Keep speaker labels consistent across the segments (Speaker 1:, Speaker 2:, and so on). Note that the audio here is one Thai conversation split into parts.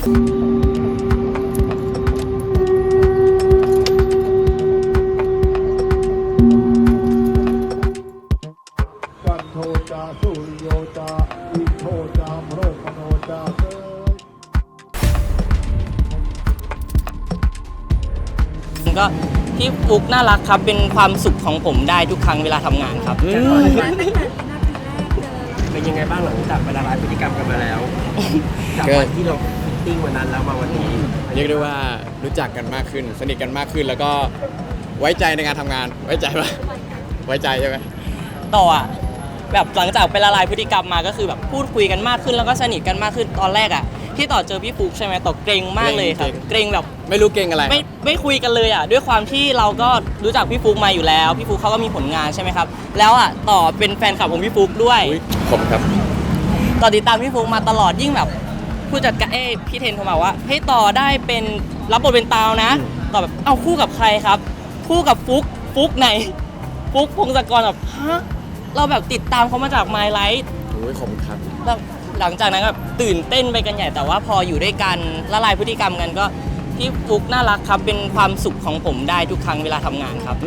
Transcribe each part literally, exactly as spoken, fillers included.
Speaker 1: กันโทจาสุริโยจาอิโทจามโรคโนจาเสย
Speaker 2: ก็พี่ฟุกน่ารักครับเป็นความสุขของผมได้ทุกครั้งเวลาทำงานครับ
Speaker 3: เป็นยังไงบ้างหลังจากเวลาร้ายพฤติกรรมกันมาแล้วจากวันที่เราฟิตติ้งวันนั้นแล้วมาวันนี้
Speaker 4: เรียกได้ว่ารู้จักกันมากขึ้นสนิทกันมากขึ้นแล้วก็ไว้ใจในการทำงานไว้ใจปะไว้ใจใช่ไหม
Speaker 2: ต่ออ่ะแบบหลังจากไปละลายพฤติกรรมมาก็คือแบบพูดคุยกันมากขึ้นแล้วก็สนิทกันมากขึ้นตอนแรกอ่ะที่ต่อเจอพี่ฟุกใช่ไหมต่อเกรงมากเลยครับเกรงแบบ
Speaker 4: ไม่รู้เกรงอะไร
Speaker 2: ไม่ไม่คุยกันเลยอ่ะด้วยความที่เราก็รู้จักพี่ฟุกมาอยู่แล้วพี่ฟุกเขาก็มีผลงานใช่ไหมครับแล้วอ่ะต่อเป็นแฟนคลับของพี่ฟุกด้วย
Speaker 4: ผมครับ
Speaker 2: ต่อติดตามพี่ฟุกมาตลอดยิ่งแบบผู้จัดการเอ้พี่เทนโทรมาว่าให้ต่อได้เป็นรับบทเป็นตาวนะต่อแบบเอาคู่กับใครครับคู่กับฟุกฟุกไหนฟุกพงศกรแบบฮะเราแบบติดตามเขามาจาก My Life
Speaker 4: โอ้ยขอบคุณครับ
Speaker 2: แล้วหลังจากนั้นก็ตื่นเต้นไปกันใหญ่แต่ว่าพออยู่ด้วยกันละลายพฤติกรรมกันก็พี่ฟุกน่ารักครับเป็นความสุขของผมได้ทุกครั้งเวลาทำงานครับ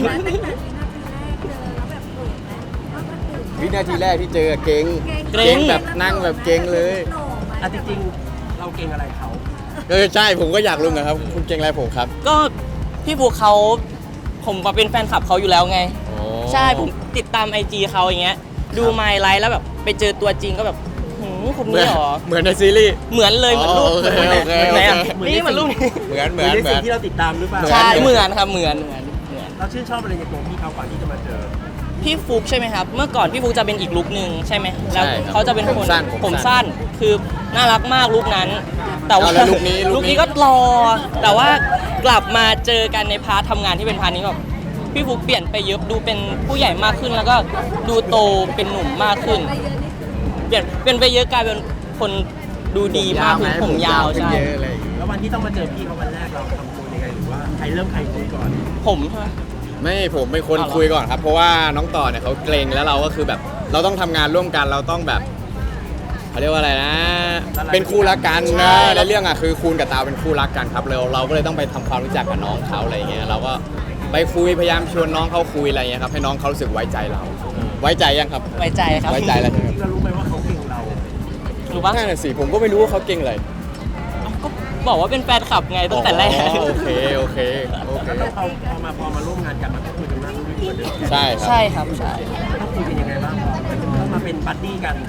Speaker 4: วินาทีแรกที่เจอเก่งเก่งแบบนั่งแบบเก่งเลย
Speaker 3: อ่ะจริงๆเราเก่งอะไรเขา
Speaker 4: เออใช่ผมก็อยากรู้นะครับคุณเก่งอะไรผมครับ
Speaker 2: ก็พี่ฟุกเขาผมเป็นแฟนคลับเขาอยู่แล้วไงใช่ผมติดตาม ไอ จี เขาอย่างเงี้ยดู My Life แล้วแบบไปเจอตัวจริงก็แบบหืมคนนี้หรอ
Speaker 4: เหมือนในซีรีส์
Speaker 2: เหมือนเลยเหมือนรูปเหมือนไหนอ่ะนี่มันรูปนี้
Speaker 4: เหมือนเหมือน
Speaker 3: เหมือนสิ่งที่เราติดตามหรือเปล่า
Speaker 2: ใช่เหมือนครับเหมือนเหมือนเหมือน
Speaker 3: เราชื่นชอบอะไรในตัวพี่เขาก่อนที่จะมาเจอ
Speaker 2: พี่ฟุกใช่ไหมครับเมื่อก่อนพี่ฟุกจะเป็นอีกลุคนึงใช่ไหมแล้วเขาจะเป็นคนผมสั้นคือน่ารักมากลุคนั้นแต่ว่า
Speaker 4: ลุคนี้
Speaker 2: ลุคนี้ก็รอแต่ว่ากลับมาเจอกันในพาร์ททำงานที่เป็นพาร์ทนี้แบบพี่ฟุกเปลี่ยนไปเยอะดูเป็นผู้ใหญ่มากขึ้นแล้วก็ดูโตเป็นหนุ่มมากขึ้นเปลี่ยนเป็นไปเยอะกลายเป็นคนดูดีมากขึ้นผมยาวใช่
Speaker 3: แล้ววันที่ต้องมาเจอพี่เขาวันแรกเราทำตัวยังไงหรือว่าใครเริ่มใครคุยก่อน
Speaker 2: ผมใช่ไหม
Speaker 4: ไม่ผมเป็นคนคุยก่อนครับเพราะว่าน้องต่อเนี่ยเขาเกรงแล้วเราก็คือแบบเราต้องทำงานร่วมกันเราต้องแบบเขาเรียกว่าอะไรนะเป็นคู่รักกันนะในเรื่องอ่ะคือคูณกับตาวเป็นคู่รักกันครับเราเราก็เลยต้องไปทำความรู้จักกับน้องเขาอะไรเงี้ยเราก็ไปคุยพยายามชวนน้องเขาคุยอะไรเงี้ยครับให้น้องเขารู้สึกไว้ใจเราไว้ใจยังครับ
Speaker 2: ไว้ใจครับ
Speaker 4: ไว้ใจแล้วใช่ไหม
Speaker 3: เรารู้ไหมว่าเขาเก่งเรา
Speaker 2: รู้ป่ะ
Speaker 4: นั่นน่ะสิผมก็ไม่รู้ว่าเขาเก่งอะไร
Speaker 2: ก็บอกว่าเป็นแฟนคลับไงตั้งแต่แรก
Speaker 4: โอเคโอเคโอเค
Speaker 3: แล้วพอพอมาพอมาร่วมงานกันมันก็คุยกันมากขึ้นกว่าเดิม
Speaker 4: ใช่
Speaker 2: ใช่ครับใช่
Speaker 3: ต้องคุยกันยังไงบ้างต้องมาเป็นบัดดี้กัน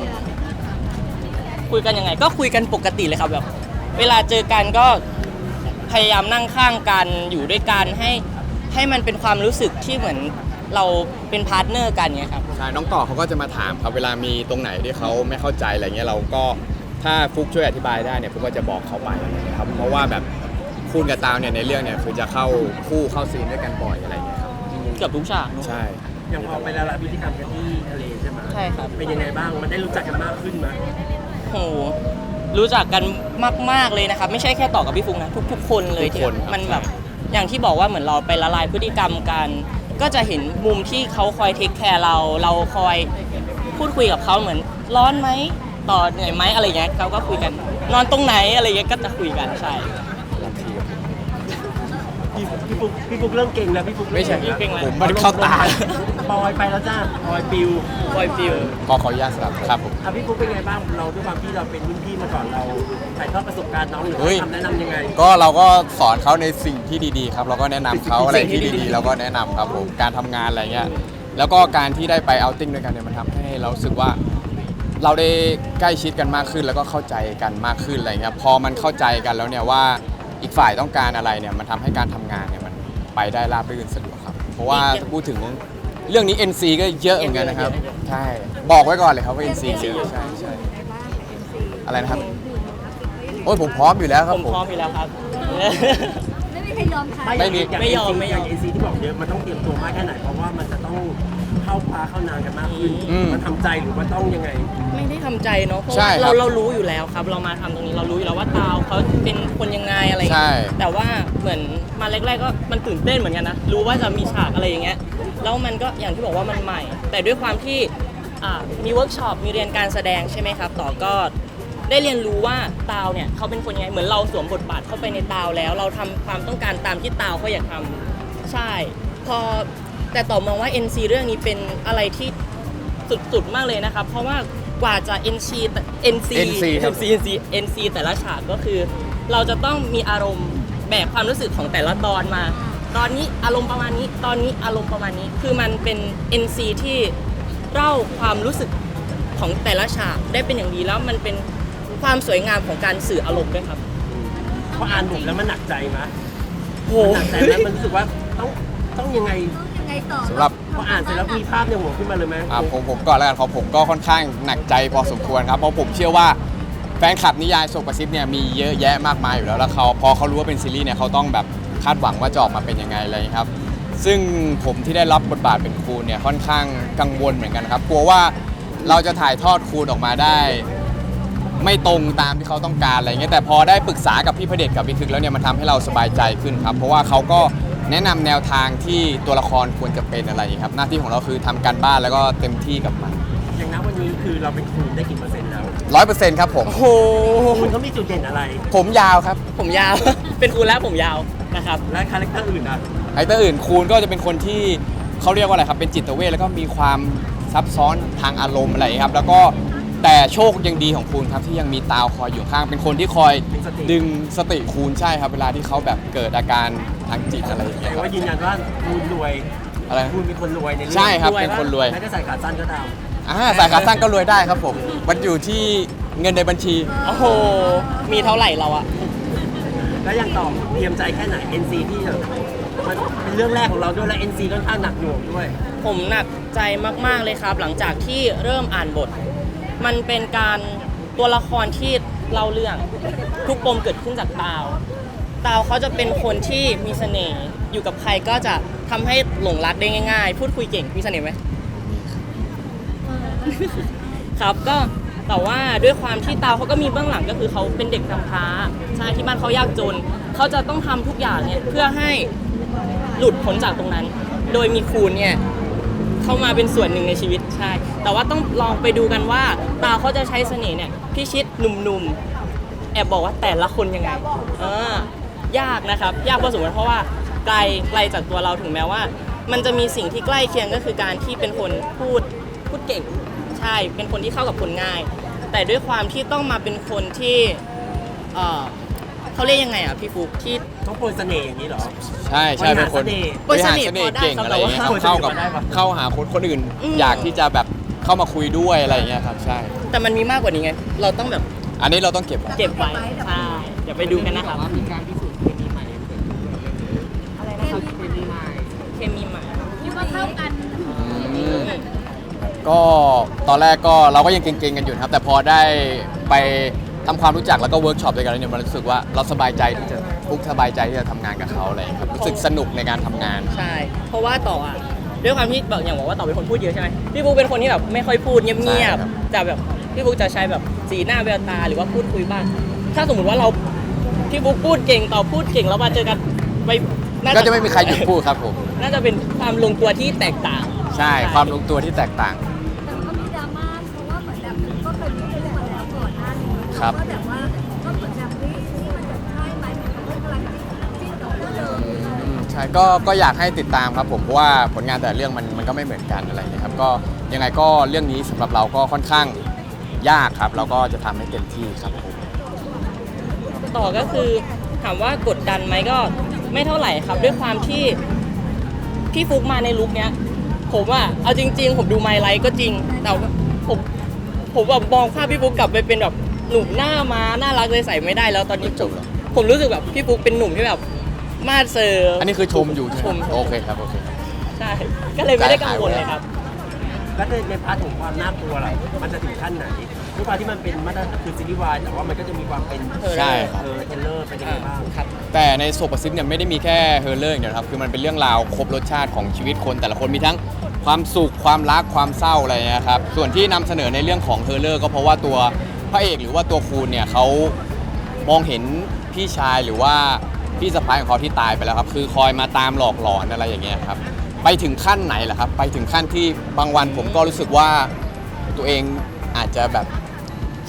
Speaker 2: คุยกันยังไงก็คุยกันปกติเลยครับแบบเวลาเจอกันก็พยายามนั่งข้างกันอยู่ด้วยกันให้ให้มันเป็นความรู้สึกที่เหมือนเราเป็นพาร์ทเนอร์กันไงครับ
Speaker 4: ใช่น้องต่อเขาก็จะมาถามครับเวลามีตรงไหนที่เขาไม่เข้าใจอะไรเงี้ยเราก็ถ้าฟุกช่วยอธิบายได้เนี่ยฟุกก็จะบอกเขาไปนะครับเพราะว่าแบบคูณกับตาวเนี่ยในเรื่องเนี่ยคือจะเข้าคู่เข้าซีนด้วยกันบ่อยอะไรเงี้ยครับ
Speaker 2: เกือบทุกฉาก
Speaker 4: ใช่
Speaker 3: อย่างพอไปละลายพฤติกรรมกันที่ทะเลใช่ไหม
Speaker 2: ใช่ครับ
Speaker 3: เป็นยังไงบ้างมันได้รู้จักกันมากขึ้นไหม
Speaker 2: โหรู้จักกันมากๆเลยนะครับไม่ใช่แค่ต่อกับพี่ฟุกนะทุกๆคนเลยที่มันแบบอย่างที่บอกว่าเหมือนเราไปละลายพฤติกรรมกันก็จะเห็นมุมที่เขาคอยเทคแคร์เราเราคอยพูดคุยกับเขาเหมือนร้อนไหมต่อเหนื่อยไหมอะไรเงี้ยเขาก็คุยกันนอนตรงไหนอะไรเงี้ยก็จะคุยกันใช่
Speaker 3: พี่พี่ฟุกพี่ฟุกเริ่มเก่งแล้วพี่ฟุก
Speaker 4: ไม่ใช่
Speaker 2: พี่เก่งแล้ว
Speaker 4: ผมมันเข้าตา
Speaker 3: ปอยไปแล้วจ้าปอยปิว
Speaker 2: ปอยปิว
Speaker 4: ขอขออนุญาตสลับครับผม
Speaker 3: อ่ะพี่ฟุกเป็นไงบ้างเราด้วยความที่เราเป็นรุ่นพี่มาก่อนเราถ่ายทอดประสบการณ์น้องหรือทำแนะนำยังไง
Speaker 4: ก็เราก็สอนเขาในสิ่งที่ดีๆครับเราก็แนะนำเขาอะไรที่ดีๆเราก็แนะนำครับผมการทำงานอะไรเงี้ยแล้วก็การที่ได้ไปเอาติ้งด้วยกันเนี่ยมันทำให้เรารู้สึกว่าเราได้ใกล้ชิดกันมากขึ้นแล้วก็เข้าใจกันมากขึ้นอะไรเงี้ยพอมันเข้าใจกันแล้วเนี่ยว่าอีกฝ่ายต้องการอะไรเนี่ยมันทำให้การทำงานเนี่ยมันไปได้ราบรื่นสะดวกครับเพราะว่าพูดถึงเรื่องนี้ เอ็น ซี ก็เยอะเหมือนกันนะครับใช่บอกไว้ก่อนเลยครับว่า เอ็น ซี เยอะใช่ใช่อะไรนะครับโอ้ยผมพร้อมอยู่แล้วครับ
Speaker 2: ผมพร้อมอยู่แล้วครับ
Speaker 3: ไม่มีใครยอมใครไม่มีไม่ยอมไม่ยอม เอ็น ซี ที่บอกเยอะมันต้องเตรียมตัวมากแค่ไหนเพราะว่ามันจะต้องเข้าพาเข้านานกันมากขึ้นมันทำใจหรือว่าต้องยังไง
Speaker 2: ไม่ได้ทำใจเนาะเพราะว่าเราเรารู้อยู่แล้วครับเรามาทำตรงนี้เรารู้อยู่แล้วว่าตาวเขาเป็นคนยังไงอะไรแต่ว่าเหมือนมาแรกๆก็มันตื่นเต้นเหมือนกันนะรู้ว่าจะมีฉากอะไรอย่างเงี้ยแล้วมันก็อย่างที่บอกว่ามันใหม่แต่ด้วยความที่มีเวิร์กช็อปมีเรียนการแสดงใช่ไหมครับต่อก็ได้เรียนรู้ว่าตาวเนี่ยเขาเป็นคนยังไงเหมือนเราสวมบทบาทเข้าไปในตาวแล้ว เราทำความต้องการตามที่ตาวเขาอยากทำใช่พอแต่ต่อมองว่า เอ็น ซี เรื่องนี้เป็นอะไรที่สุดๆมากเลยนะครับเพราะว่ากว่าจะ เอ็น ซี เอ็น ซี
Speaker 4: เอ็น ซี ครับ
Speaker 2: เอ็น ซี เอ็น ซี แต่ละฉากก็คือ เราจะต้องมีอารมณ์แบกความรู้สึกของแต่ละตอนมา ตอนนี้อารมณ์ประมาณนี้ตอนนี้อารมณ์ประมาณนี้คือมันเป็น เอ็น ซี ที่เล่าความรู้สึกของแต่ละฉากได้เป็นอย่างดีแล้วมันเป็นความสวยงามของการสื่ออารมณ์ด้วยครับ
Speaker 3: พออ่านบทแล้วมันหนักใจไหม
Speaker 2: โห
Speaker 3: มันหนักใจไหมมันรู้สึกว่าต้องต้องยังไง
Speaker 5: ยังไงต่อ
Speaker 4: สำหรับ
Speaker 3: พออ่านเสร็จแล้วมีภาพในหัวขึ้นมาเลยไหม
Speaker 4: อ่าผมผมก่อนแล้วกันของผมก็ค่อนข้างหนักใจพอสมควรครับเพราะผมเชื่อว่าแฟนคลับนิยายโซกระซิบเนี่ยมีเยอะแยะมากมายอยู่แล้วแล้วเขาพอเขารู้ว่าเป็นซีรีส์เนี่ยเขาต้องแบบคาดหวังว่าจะออกมาเป็นยังไงอะไรอย่างนี้ครับซึ่งผมที่ได้รับบทบาทเป็นครูเนี่ยค่อนข้างกังวลเหมือนกันครับกลัวว่าเราจะถ่ายทอดครูออกมาได้ ไม่ตรงตามที่เขาต้องการอะไรเงี้ยแต่พอได้ปรึกษากับพี่พระเดชกับพี่ทึกแล้วเนี่ยมันทำให้เราสบายใจขึ้นครับเพราะว่าเขาก็แนะนำแนวทางที่ตัวละครควรจะเป็นอะไรอย่างเงี้ยครับหน้าที่ของเราคือทำการบ้านแล้วก็เต็มที่กับมัน
Speaker 3: อย่างนั้นวันนี้คือเราเป็นครูได้กี่เปอร์เซ็นต์แล้ว
Speaker 4: ร้อยเปอร์เซ็นต์ครับผม
Speaker 2: โอ้โห
Speaker 3: คุณเขามีจุดเด่นอะไร
Speaker 4: ผมยาวครับ
Speaker 2: ผมยาว เป็นครูแล้วผมยาวนะครับ
Speaker 3: และคาแรคเตอร์อื่นอ่ะ
Speaker 4: ไอเตอร์อื่นคูณก็จะเป็นคนที่เขาเรียกว่าอะไรครับเป็นจิตเวชแล้วก็มีความซับซ้อนทางอารมณ์อะไรอย่างเงี้ยครับแล้วก็แต่โชคยังดีของคูณครับที่ยังมีตาวคอยอยู่ข้างเป็นคนที่คอยดึงสติคูณใช่ครับเวลาที่เขาแบบเกิดอาการทางจิตอะไรอย่าง
Speaker 3: แต่
Speaker 4: เงี้ยครับ
Speaker 3: ว่ายืนยันว่าคุณรวย
Speaker 4: อะไร
Speaker 3: คุณเป็นคนรวยในเรื่อง
Speaker 4: ใช่ครับ
Speaker 2: รวย
Speaker 4: เป็นคนรวย
Speaker 3: แม้จะใส่ขาสั้นก็ตาม
Speaker 4: อ่าสายขาสั้นก็รวยได้ครับผมมันอยู่ที่เงินในบัญชี
Speaker 2: โอ้โหมีเท่าไหร่เราอะ
Speaker 3: แล้วยังตอบเตรียมใจแค่ไหน เอ็น ซี ที่เถอะมันเป็นเรื่องแรกของเราด้วยและ เอ็น ซี ค่อนข้างหนักหน่วงด้วย
Speaker 2: ผมหนักใจมากๆเลยครับ หลังจากที่เริ่มอ่านบท มันเป็นการตัวละครที่เล่าเรื่องทุกปมเกิดขึ้นจากตาวตาวเขาจะเป็นคนที่มีเสน่ห์อยู่กับใครก็จะทำให้หลงรักได้ง่าย ๆ พูดคุยเก่งมีเสน่ห์ไหม ครับก็แต่ว่าด้วยความที่ตาวเขาก็มีเบื้องหลังก็คือเขาเป็นเด็กกำพร้าใช่ที่บ้านเขายากจนเขาจะต้องทำทุกอย่างเนี่ยเพื่อให้หลุดพ้นจากตรงนั้น โดยมีคูณเนี่ยเข้ามาเป็นส่วนหนึ่งในชีวิตใช่แต่ว่าต้องลองไปดูกันว่าตาวเขาจะใช้เสน่ห์เนี่ยพิชิตหนุ่มๆแอบบอกว่าแต่ละคนยังไงเออยากนะครับยากพอสมควรเพราะว่าไกลไกลจากตัวเราถึงแม้ว่า มันจะมีสิ่งที่ใกล้เคียงก็คือการที่เป็นคนพูดพูดเก่งใช่เป็นคนที่เข้ากับคนง่าย แต่ด้วยความที่ต้องมาเป็นคนที่เออเขาเรียกยังไงอ่ะพี่ฟุกที่
Speaker 3: ต้องโปรยเสน่ห์อย่างนี้เหรอ
Speaker 4: ใช่ใช่เป็นคน
Speaker 2: บริหารเสน่ห์
Speaker 4: บริหารเสน่ห์เก่ง
Speaker 2: พอ
Speaker 4: อะไร
Speaker 2: ได้
Speaker 4: อย่างเงี้ย
Speaker 2: ครับ
Speaker 4: ครับเข้ากับ
Speaker 3: แต่ว่า
Speaker 4: เข้าหาคนคนอื่น
Speaker 2: อืม
Speaker 4: อยากที่จะแบบเข้ามาคุยด้วยอะไรอย่างเงี้ยครับใช่
Speaker 2: แต่มันมีมากกว่านี้ไงเราต้องแบบ
Speaker 4: อันนี้เราต้องเก็บไว้
Speaker 2: เก็บไว้ใช่เดี๋ยวไปดูกันนะครับ
Speaker 5: อะไรนะครับ
Speaker 2: เคมีใหม่
Speaker 5: คิดว่าเข้ากัน
Speaker 4: อืมก็ตอนแรกก็เราก็ยังเก่งๆกันอยู่นะครับ แต่พอได้ไปทำความรู้จักแล้วก็เวิร์กช็อปด้วยกันแล้วเนี่ยมันรู้สึกว่าเราสบายใจที่จะทุกสบายใจที่จะทำงานกับเขาอะไรอย่างเลยครับรู้สึกสนุกในการทำงาน
Speaker 2: ใช่ เพราะว่าต่ออ่ะด้วยความที่บอกอย่างบอกว่าต่อเป็นคนพูดเยอะใช่ไหมพี่บุ๊กเป็นคนที่แบบไม่ค่อยพูดเงียบ
Speaker 4: ใช่ครับ
Speaker 2: ๆแต่แบบพี่บุ๊กจะใช้แบบสีหน้าแววตาหรือว่าพูดคุยบ้างถ้าสมมติว่าเราพี่บุ๊กพูดเก่งต่อพูดเก่งแล้วมาเจอกันไปน่า
Speaker 4: ก็จะไม่มีใครหยุดพูดครับผม
Speaker 2: น่าจะเป็นความลงตัวที่แตกต่าง
Speaker 4: ใช่ความลงตัวที่แตกต่าง
Speaker 5: แต่มันก็มีดราม่าเพราะว่าเหมือนแบบก็เคยมีเรื่องมาแล้วก่อนหน้านี้
Speaker 4: ครับ
Speaker 5: ก็แบบว่าก็เหมือนแบบเฮ้ยนี่มันจะใช่ไหมมันกำลังจิ้นต่อเนื่องเลย
Speaker 4: อืมใช่ก็ก็อยากให้ติดตามครับผมเพราะว่าผลงานแต่ละเรื่องมันมันก็ไม่เหมือนกันอะไรอย่างเงี้ยครับก็ยังไงก็เรื่องนี้สำหรับเราก็ค่อนข้างยากครับเราก็จะทำให้เต็มที่ครับผม
Speaker 2: ต่อก็คือถามว่ากดดันไหมก็ไม่เท่าไหร่ครับ ด้วยความที่พี่ฟุกมาในลุคเนี้ยผมอ่ะเอาจริง ๆ ผมดูไมล์ไลท์ก็จริง แต่ว่าผมผมแบบมองภาพพี่ฟุกกลับไปเป็นแบบหนุ่มหน้าม้าน่ารักเลยใส่ไม่ได้แล้วตอนนี้
Speaker 4: จบแล้ว
Speaker 2: ผมรู้สึกแบบพี่ฟุกเป็นหนุ่มที่แบบมาดเซอร์
Speaker 4: อันนี้คือชมอยู่ใช่
Speaker 2: ช
Speaker 4: ไห
Speaker 2: ม
Speaker 4: มโอเคครับโอเคครับ
Speaker 2: ใช่ ก็เลยไม่ได้กังวลเลยครับ
Speaker 3: แล้วในในพาร์ทของความน่ากลัวล่ะมันจะถึงขั้นไหนด้วยความที่มันเป็นมาตรฐานคือซีรีส์วายแต่ว่ามันก็จะมีความเป็น
Speaker 4: ใช่ครับ
Speaker 3: เออเทรลเลอร์เป็นยังไงบ้าง
Speaker 2: ครับ
Speaker 4: แต่ในโซปซิปเนี่ยไม่ได้มีแค่เฮอร์เลอร์อย่างเดียวครับคือมันเป็นเรื่องราวครบรสชาติของชีวิตคนแต่ละคนมีทั้งความสุขความรักความเศร้าอะไรอย่างเงี้ยครับส่วนที่นำเสนอในเรื่องของเฮอร์เลอร์ก็เพราะว่าตัวพระเอกหรือว่าตัวคูณเนี่ยเขามองเห็นพี่ชายหรือว่าพี่สะพ้ายของเขาที่ตายไปแล้วครับคือคอยมาตามหลอกหลอนอะไรอย่างเงี้ยครับไปถึงขั้นไหนล่ะครับไปถึงขั้นที่บางวันผมก็รู้สึกว่าตัวเองอาจจะแบบ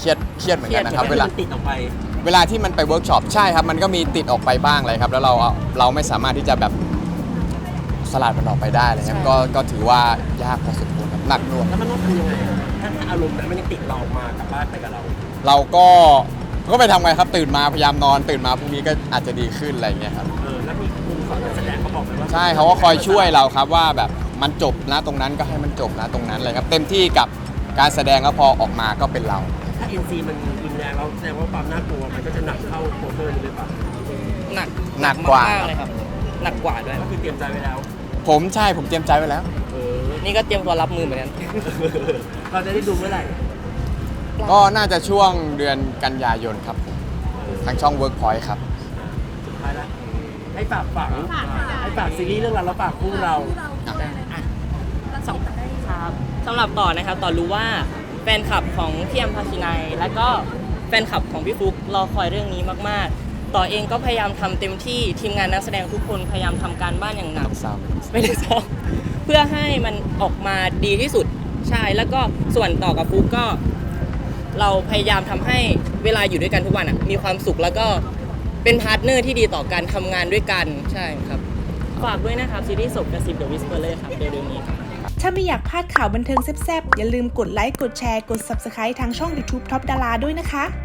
Speaker 4: เครียดเครียดเหมือนกันนะครับ
Speaker 2: เครี
Speaker 4: เวย
Speaker 2: ด
Speaker 4: ลา
Speaker 3: มันติดออกไป
Speaker 4: เวลาที่มันไปเวิร์กช็อปใช่ครับมันก็มีติดออกไปบ้างเลยครับแล้วเราเราไม่สามารถที่จะแบบสลัดมันออกไปได้เลยครับก็ก็ถือว่ายากพอสมควรครับหนักหน่วง
Speaker 3: แล้วมันต้องทำยังไงถ้าถ้าอารมณ์นั้นมันยังติดเราออกมากลับบ้านไปกับเรา
Speaker 4: เราก็ก็ไปทำไงครับตื่นมาพยายามนอนตื่นมาพรุ่งนี้ก็อาจจะดีขึ้นอะไรอย่างเงี้ยครับ
Speaker 3: เออแล้วมีครูสอนการแสดงเขาบอกไหมว่า
Speaker 4: ใช่เขาก็คอยช่วยเราครับว่าแบบมันจบนะตรงนั้นก็ให้มันจบนะตรงนั้นเลยครับเต็มที่กับการแสดงแล้วพอออกมาก็เป็นเรา
Speaker 3: ถ้า เอ็น ซี มันรุนแรงเราแสดงว่าความน่ากลัวมันก็จะหนักเข้าโคเวอร์นี้เลยป่ะ
Speaker 2: หนัก
Speaker 4: หนักกว่า
Speaker 2: มเลยครับ หนักกว่าด้วย
Speaker 3: ก็คือเตรียมใจไว้แล้ว
Speaker 4: ผมใช่ผมเตรียมใจไว้แล้ว
Speaker 3: เออ
Speaker 2: นี่ก็เตรียมตัวรับมือเหมือนกัน
Speaker 3: เราจะได้ดูเมื่อไหร่
Speaker 4: ก็น่าจะช่วงเดือนกันยายนครับผมทางช่อง Workpoint ครับ
Speaker 3: สุดท้ายแล้วให้ฝากฝังให้ฝากซีรีส์เรื่องเราแล้วฝากคู่เรา
Speaker 5: ที่เราพูดอะไรนะเราส่งกันได้
Speaker 2: ครับสำหรับต่อนะครับต่อรู้ว่าแฟนคลับของพี่แอมพาชินัยและก็แฟนคลับของพี่ฟุกรอคอยเรื่องนี้มากๆ ต่อเองก็พยายามทำเต็มที่ทีมงานนักแสดงทุกคนพยายามทำการบ้านอย่างหนัก
Speaker 4: ต้องเศร้า
Speaker 2: ไม่ได้ซ้อมเพื่อให้มันออกมาดีที่สุดใช่แล้วก็ส่วนต่อกับฟุกก็ เราพยายามทำให้เวลาอยู่ด้วยกันทุกวันอ่ะมีความสุขแล้วก็เป็นพาร์ทเนอร์ที่ดีต่อการทำงานด้วยกันใช่ครับฝากด้วยนะครับซีรีส์ศพกระซิบ The Whisperer ครับเร็วๆนี้ครับ
Speaker 6: ถ้าไม่อยากพลาดข่าวบันเทิงแซ่บๆ อย่าลืมกดไลค์ กดแชร์ กด ซับสไครบ์ ทางช่อง ยูทูบ ท็อปดารา ด้วยนะคะ